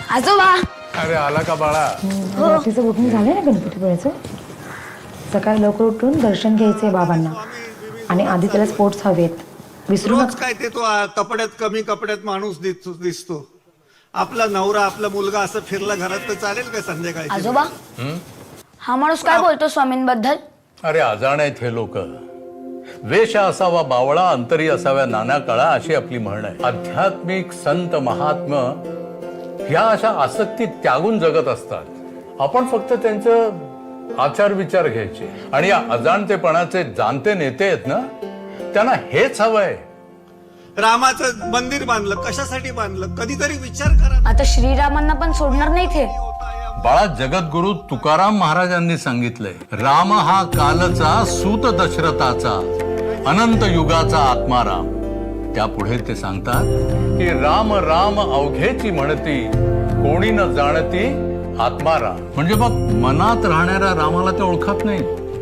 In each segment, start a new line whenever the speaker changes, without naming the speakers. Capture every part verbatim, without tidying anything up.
आजोबा.
अरे आला का बाळा?
रात्रीचं बुकिंग झालंय ना गणपतीपुळ्याचं. सकाळी लवकर उठून दर्शन घ्यायचंय बाबांना आणि आधी त्याला स्पोर्ट्स हवेत. विसरू
रोज
नका.
काय ते तो आ, कपड्यात कमी कपड्यात माणूस दिसतो दिसतो आपला नवरा आपला मुलगा असं फिरला घरात तर चालेल काय संध्याकाळी?
आजोबा हा माणूस काय बोलतो स्वामींबद्दल?
अरे अजाण आहेत हे लोक. वेश असावा बावळा अंतरी असाव्या नाना कळा अशी आपली म्हण आहे. आध्यात्मिक संत महात्मा ह्या अशा आसक्ती त्यागून जगत असतात. आपण फक्त त्यांचं आचार विचार घ्यायचे. आणि या अजाणतेपणाचे जाणते नेते आहेत ना, त्यांना हेच हवंय.
रामाचं मंदिर बांधलं कशासाठी बांधलं? कधीतरी विचार करा.
आता श्रीरामांना पण सोडणार नाही ते.
बाळा, जगद्गुरु तुकाराम महाराजांनी सांगितलंय, राम हा कालचा सूत दशरथाचा अनंत युगाचा आत्माराम. त्यापुढे ते सांगतात की राम राम अवघेची म्हणती, कोणी न जाणती आत्माराम. म्हणजे बघ, मनात राहणाऱ्या रामाला ते ओळखत नाही,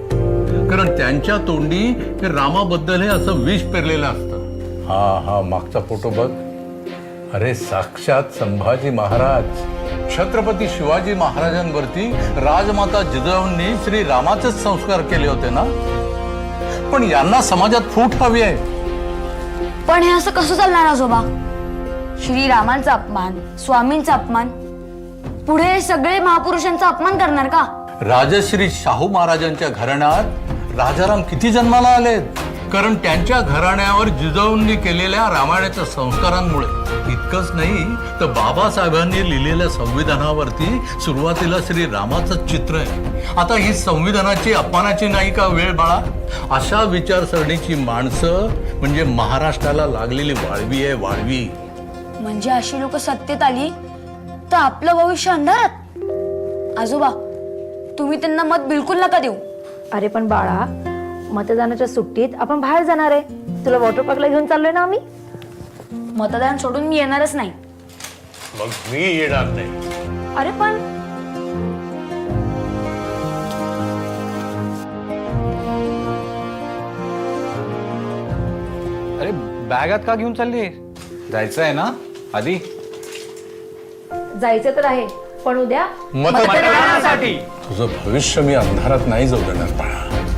कारण त्यांच्या तोंडी हे रामाबद्दल हे असं विष पेरलेलं असतं. हा हा मागचा फोटो बघ. अरे साक्षात संभाजी महाराज, छत्रपती शिवाजी महाराजांवरती राजमाता जिजाऊंनी श्री रामाचेच संस्कार केले होते ना. पण यांना समाजात फूट हवी आहे.
पण हे असं कसं चालणार आजोबा? श्रीरामांचा अपमान, स्वामींचा अपमान, पुढे सगळे महापुरुषांचा अपमान करणार का?
राजश्री शाहू महाराजांच्या घराण्यात राजाराम किती जन्माला आलेत, कारण त्यांच्या घराण्यावर जिजाऊंनी केलेल्या रामायणाच्या संस्कारांमुळे. इतकंच नाही तर बाबासाहेबांनी लिहिलेल्या संविधानावरती सुरुवातीला श्री रामाचं चित्र आहे. आता ही संविधानाची अपमानाची नाही का वेळ बाळा? अशा विचारसरणीची माणसं म्हणजे महाराष्ट्राला लागलेली वाळवी आहे, वाळवी.
म्हणजे अशी लोक सत्तेत आली तर आपलं भविष्य अंधारात. आजोबा तुम्ही त्यांना मत बिलकुल नका देऊ.
अरे पण बाळा, मतदानाच्या सुट्टीत आपण बाहेर जाणार आहे. तुला वॉटर पार्कला घेऊन चाललोय ना आम्ही.
मतदान सोडून मी येणारच नाही.
मग मी येणार नाही.
अरे पण
अरे बॅगात का घेऊन चालली? जायचं आहे ना आधी?
जायचं तर आहे, पण उद्या
मतदानासाठी.
तुझं भविष्य मी अंधारात नाही जाऊ देणार बाळा.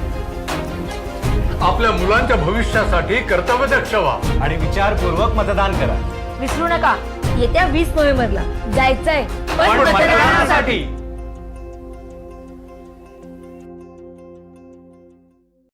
आपल्या मुलांच्या भविष्यासाठी कर्तव्यदक्ष व्हा
आणि विचारपूर्वक मतदान करा.
विसरू नका, येत्या वीस नोव्हेंबरला जायचंय
पण मतदानासाठी.